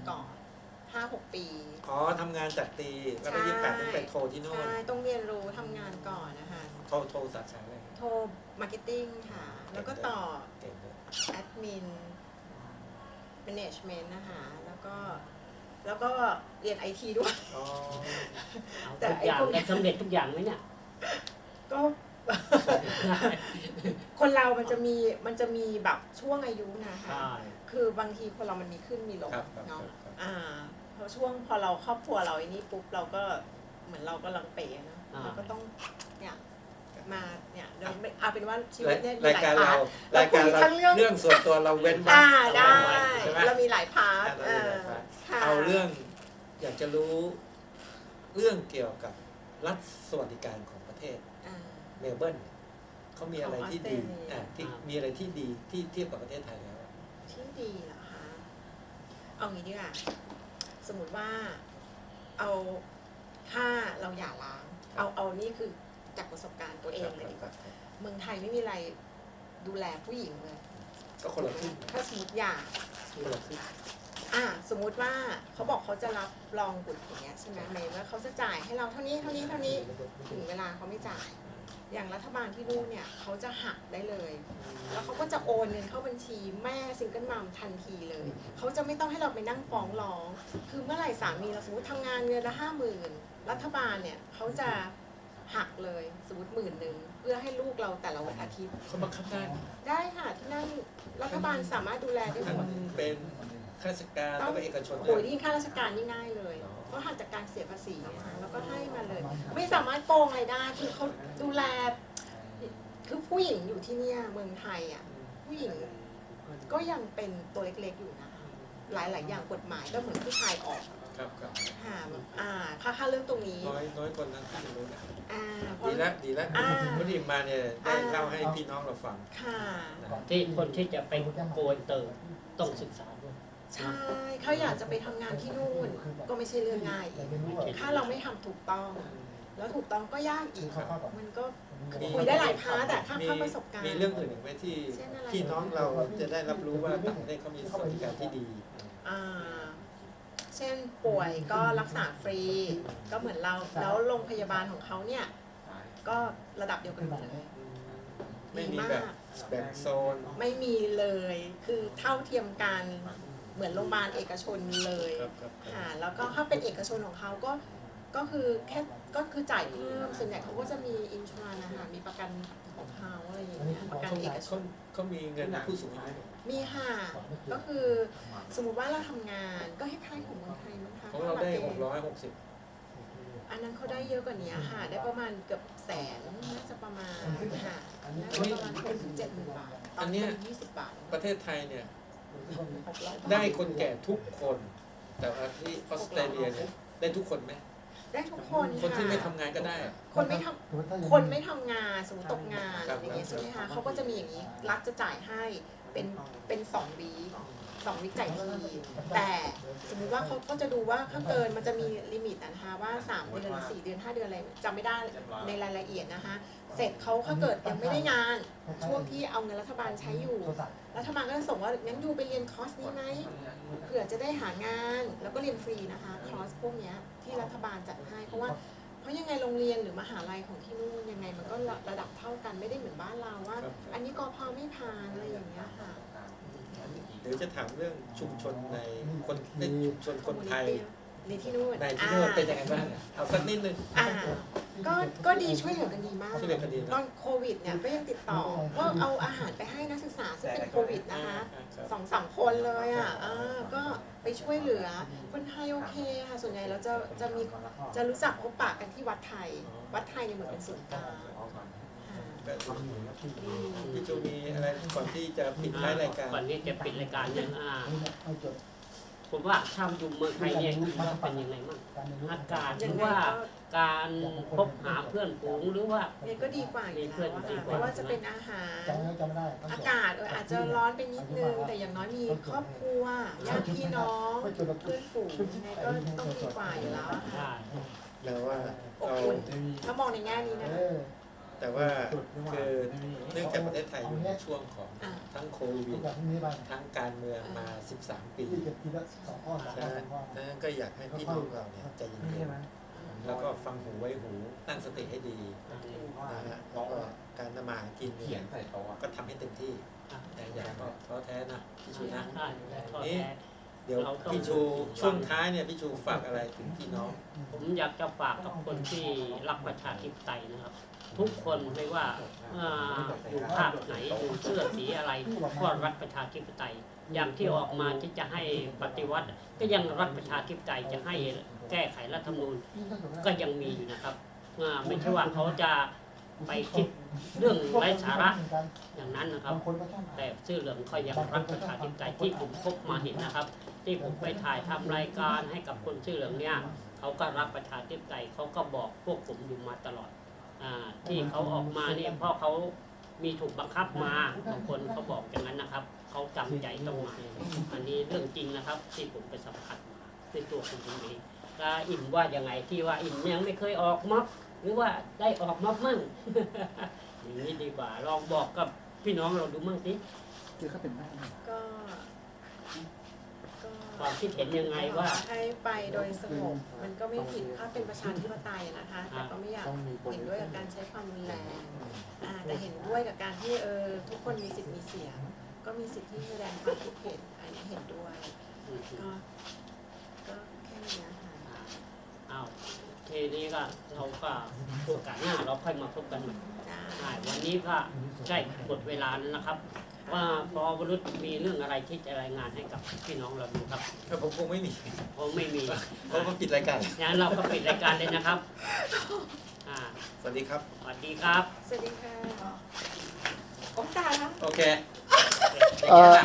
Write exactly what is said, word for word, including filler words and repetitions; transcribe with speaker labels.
Speaker 1: ก่อนห้าหกปี
Speaker 2: อ๋อทำงานจากตีแล้วก็ยี่สิบแปดต้องไปโทรที่โน่น
Speaker 1: ใช่ต้องเรียนรู้ทำงานก่อนนะคะ
Speaker 2: โทรโทรสาขาอะไร
Speaker 1: โทรมาร์เก็ตติ้งค่ะแล้วก็ต่อแอดมินแมเนจเมนต์นะคะแล้วก็แล้วก็เรียนไอทีด้วย
Speaker 3: แต่ทุกอย่างได้สำเร็จทุกอย่างไหมเนี่ย
Speaker 1: ก็คนเรามันจะมีมันจะมีแบบช่วงอายุนะคะคือบางทีคนเรามันมีขึ้นมีลงเนาะอ่าพอช่วงพอเราครอบครัวเราไอ้นี่ปุ๊บเราก็เหมือนเราก็ลังเป๋นะเราก็ต้องเนี่ยมาเนี่ยเราเอาเป็นว่าชีวิตเนี่ยมีหลายพาร์ท
Speaker 2: รายการเราเรื่องส่วนตัวเราเว้นไว้
Speaker 1: ได้เรามีหลายพาร์ท
Speaker 2: เอาเรื่องอยากจะรู้เรื่องเกี่ยวกับรัฐสวัสดิการของประเทศเมลเบิร์นเขามีอะไรที่ดีอ่าที่มีอะไรที่ดีที่เทียบกับประเทศไทยแล้ว
Speaker 1: ที่ดีเหรอคะเอางี้ดีกว่าสมมติว่าเอาถ้าเราหย่าร้างเอาเอานี่คือจากประสบการณ์ตัวเองเลยดีกว่าเมืองไทยไม่มีอะไรดูแลผู้หญิงเลย
Speaker 2: ก็คนละครึ่ง
Speaker 1: ถ้าสมมติหย่า
Speaker 2: คนละครึ่ง
Speaker 1: อ่าสมมุติว่าเขาบอกเขาจะรับรองบุตรอย่างเงี้ยใช่ไหมหมายว่าเขาจะจ่ายให้เราเท่านี้เท่านี้เท่านี้ถึงเวลาเขาไม่จ่ายอย่างรัฐบาลที่นู่นเนี่ยเขาจะหักได้เลยแล้วเขาก็จะโอนเงินเข้าบัญชีแม่ซิงเกิลมัมทันทีเลยเขาจะไม่ต้องให้เราไปนั่งฟ้องร้องคือเมื่อไหร่สามีเราสมมติทำงานเงินละห้าหมื่นรัฐบาลเนี่ยเขาจะหักเลยสมมติหมื่นหนึ่งเพื่อให้ลูกเราแต่ละวันอาทิตย์
Speaker 2: เขาบังคับได้
Speaker 1: ได้ค่ะที่นั่นรัฐบาลสามารถดูแลได้หมด
Speaker 2: เป็นข้าราชการแล้วก็เอกชน
Speaker 1: โอ้ยนี่ข้าราชการนี่ง่ายเลยเพราะหักจากการเสียภาษีนะคะแล้วก็ให้มาเลยไม่สามารถโกงอะไรได้คือเขาดูแลคือผู้หญิงอยู่ที่เนี่ยเมืองไทยอ่ะผู้หญิงก็ยังเป็นตัวเล็กๆอยู่นะคะหลายๆอย่างกฎหมายก็เหมือนผู้ชายออก
Speaker 2: ครับครับ
Speaker 1: ค่ะอ่าค่าค่าเรื่องตรงนี้
Speaker 2: น้อยน้อยคนนั้นที่รู้นะ
Speaker 1: อ่า
Speaker 2: ดีแล้วดีแล้ววันนี้มาเนี่ยได้เล่าให้พี่น้องเราฟัง
Speaker 1: ค่ะ
Speaker 3: ที่คนที่จะไปโกนเติมต้องศึกษาด้วย
Speaker 1: ใช่เขาอยากจะไปทำงานที่นู่นก็ไม่ใช่เรื่องง่ายถ้าเราไม่ทำถูกต้องแล้วถูกต้องก็ยากอีกมันก็คุยได้หลายพาร์ทแต่ข้ามประสบการณ์
Speaker 2: มีเรื่องอื่นอีกไหมที่พี่น้องเราจะได้รับรู้ว่าต่างประเทศเขามีสวัสดิการที่ดี
Speaker 1: อ่าเช่นป่วยก็รักษาฟรีก็เหมือนเราแล้วโรงพยาบาลของเขาเนี่ยก็ระดับเดียวกันหมดเลย
Speaker 2: ไม่มีแบบแบ่งโซน
Speaker 1: ไม่มีเลยคือเท่าเทียมกันเหมือนโรงพยาบาลเอกชนเลยค่ะแล้วก็ถ้าเป็นเอกชนของเขาก็ก็คือแค่ก็คือจ่ายเพิ่มส่วนใหญ่เขาก็จะมีอินชัวร์นะคะมีประกันของเขาอะไรอย่างเงี้ยประกันเอกชน
Speaker 2: เขามีเงินผู้สูงอายุ
Speaker 1: มีค่ะก็คือสมมุติว่าเราทำงานก็ให้คล้ายของเมืองไทยมั้งคะ
Speaker 2: ของเราได้หกร้อยหกสิบ
Speaker 1: อันนั้นเขาได้เยอะกว่านี้ค่ะได้ประมาณเกือบแสนน่าจะประมาณค่ะได้ประมาณหกถึงเจ็ดหมื่นบาท
Speaker 2: อันนี้
Speaker 1: ยี่สิบบาท
Speaker 2: ประเทศไทยเนี่ยได้คนแก่ทุกคนแต่ว่าที่ออสเตรเลียเนี่ยได้ทุกคนไหม
Speaker 1: ได้ทุกคน
Speaker 2: คนที่ไม่ทำงานก็ได้
Speaker 1: คนไม่ทำคนไม่ทำงานสมมติตกงานอย่างเงี้ยใช่ไหมคะเขาก็จะมีอย่างนี้รัฐจะจ่ายให้เป็นเป็นสองวีสองวิจัยทีแต่สมมุติว่าเขาก็จะดูว่าถ้าเกินมันจะมีลิมิตนะคะว่าสามเดือนสี่เดือนห้าเดือนอะไรจำไม่ได้ในรายละเอียดนะคะเสร็จเขาถ้าเกิดยังไม่ได้งานช่วงที่เอาเงินรัฐบาลใช้อยู่รัฐบาลก็จะส่งว่างั้นยูไปเรียนคอร์สนี้ไหมเผื่อจะได้หางานแล้วก็เรียนฟรีนะคะคอร์สพวกนี้ที่รัฐบาลจัดให้เพราะว่าเพราะยังไงโรงเรียนหรือมหาลัยของที่นู่นยังไงมันก็ระดับเท่ากันไม่ได้เหมือนบ้านเราว่าอันนี้กพไม่ผ่านอะไรอย่างเงี้ยค่ะ
Speaker 2: เดี๋ยวจะถามเรื่องชุมชนในคนในชุมชนคนไทย
Speaker 1: ในที่นู่น
Speaker 2: ในที่นู่นเป็นยังไงบ้างเอาสักนิดนึง
Speaker 1: อ่าก็ก็ดีช่วยเหลือกันดีมาก
Speaker 2: ช่วยเหลือกันดี
Speaker 1: ตอนโควิดเนี่ยก็ยังติดต่อก็เอาอาหารไปให้นักศึกษาซึ่งเป็นโควิดนะคะสองสามคนเลยอ่ะอ่าก็ไปช่วยเหลือคนไทยโอเคค่ะส่วนใหญ่เราจะจะมีจะรู้จักพบปะกันที่วัดไทยวัดไทยเนี่ยเหมือนเป็นศูนย์กลาง
Speaker 2: พี่จูมีอะไรก่อนที่จะปิดท้ายรายการ
Speaker 3: ก่อนที่จะปิดรายการเนี่ยผมว่าถ้าอยู่เมืองไทยเนี่ยเป็นยังไงบ้างอากาศหรือว่าการพบหาเพื่อนฝูงหรือว่า
Speaker 1: เนี่ยก็ดีกว่าอยู่แล้วค่ะไม่ว่าจะเป็นอาหารอากาศอาจจะร้อนไปนิดนึงแต่อย่างน้อยมีครอบครัวญาติพี่น้องเพื่อนฝูงเนี่ยก็ต้องดีกว่าอยู่แล้วค่ะ
Speaker 2: แล้วว่า
Speaker 1: อบอุ่นถ้ามองในแง่นี้นะ
Speaker 2: แต่ว่าคือเนื่องจากประเทศไทยอยู่ในช่วงของ
Speaker 1: อ่า
Speaker 2: ทั้งโควิดทั้งการเมืองมา สิบสาม ปีฉะนั้นนั้นก็อยากให้พี่น้องเราเนี่ยใจเย็นๆแล้วก็ฟังหูไว้หูตั้งสติให้ดีนะฮะแล้วก็การทำมาหากินเนี่ยก็ทำให้เต็มที่แต่อย่าก็ท้อแท้นะพี่ชูนะ
Speaker 3: ใช่ทอด
Speaker 2: นี่
Speaker 3: แท้
Speaker 2: เดี๋ยวพี่ชูช่วงท้ายเนี่ยพี่ชูฝากอะไรถึงพี่น้อง
Speaker 3: ผมอยากจะฝากกับคนที่รักประชาธิปไตยนะครับ ทุกคนไม่ว่าเอ่ออยู่ภาคไหนอยู่เสื้อสีอะไรก็รักประชาธิปไตย อย่างที่ออกมาที่จะให้ปฏิวัติ ก็ยังรักประชาธิปไตยจะให้แก้ไขรัฐธรรมนูญก็ยังมีอยู่นะครับอ่าไม่ใช่ว่าเขาจะไปคิดเรื่องไร้สาระอย่างนั้นนะครับ แต่ชื่อเหลืองเขายังรักประชาธิปไตยที่ผมพบมาเห็นนะครับ ที่ผมไปถ่ายทำรายการให้กับคนชื่อเหลืองเนี่ยเขาก็รักประชาธิปไตยเขาก็บอกพวกผมอยู่มาตลอดอาที่เขาออกมาเนี่ยเพราะเขามีถูกบังคับมาบางคนเขาบอกอย่างนั้นนะครับเขาจำใจต้องมาอันนี้เรื่องจริงนะครับ ที่ผมไปสัมผัสมาในตัวของผมเองแล้วอิ่มว่ายังไงที่ว่าอิ่มยังไม่เคยออกม็อบหรือว่าได้ออกม็อบมั่ง อย่างนี้ดีกว่าลองบอกกับพี่น้องเราดูมั่งสิ
Speaker 4: คือเขาเป็นบ้าน
Speaker 1: ก็ก็
Speaker 3: ความคิดเห็นยังไงว่า
Speaker 1: ให้ไปโดยสงบมันก็ไม่ผิดถ้าเป็นประชาธิปไตยนะคะ แต่ก็ไม่อยากเห็นด้วยกับการใช้ความรุนแรงอ่าแต่เห็นด้วยกับการที่เออทุกคนมีสิทธิ์มีเสียง ก็มีสิทธิ์ที่แสดงความคิดเห็นอันนี้เห็นด้วย ก็ก็แค่นี้นะคะ
Speaker 3: อ้าวทีนี้ก็เราก็โอกาสหน้าเราค่อยมาพบกันใหม่
Speaker 1: ได้
Speaker 3: ใช่วันนี้ก็ใช่หมดเวลาแล้วนะครับ ว่าพอวรุษมีเรื่องอะไรที่จะรายงานให้กับพี่น้องเราดูครับ
Speaker 2: แต่ผมคงไม่มี
Speaker 3: ผมไม่มี
Speaker 2: เพราะว่าปิดรายการ
Speaker 3: งั้นเราก็ปิดรายการเลยนะครับอ่า
Speaker 2: สวัสดีครับ
Speaker 3: สวัสดีครับ
Speaker 1: สวัสดีค่ะโอ้ตายแล้ว
Speaker 2: โอเค
Speaker 4: เอ่อ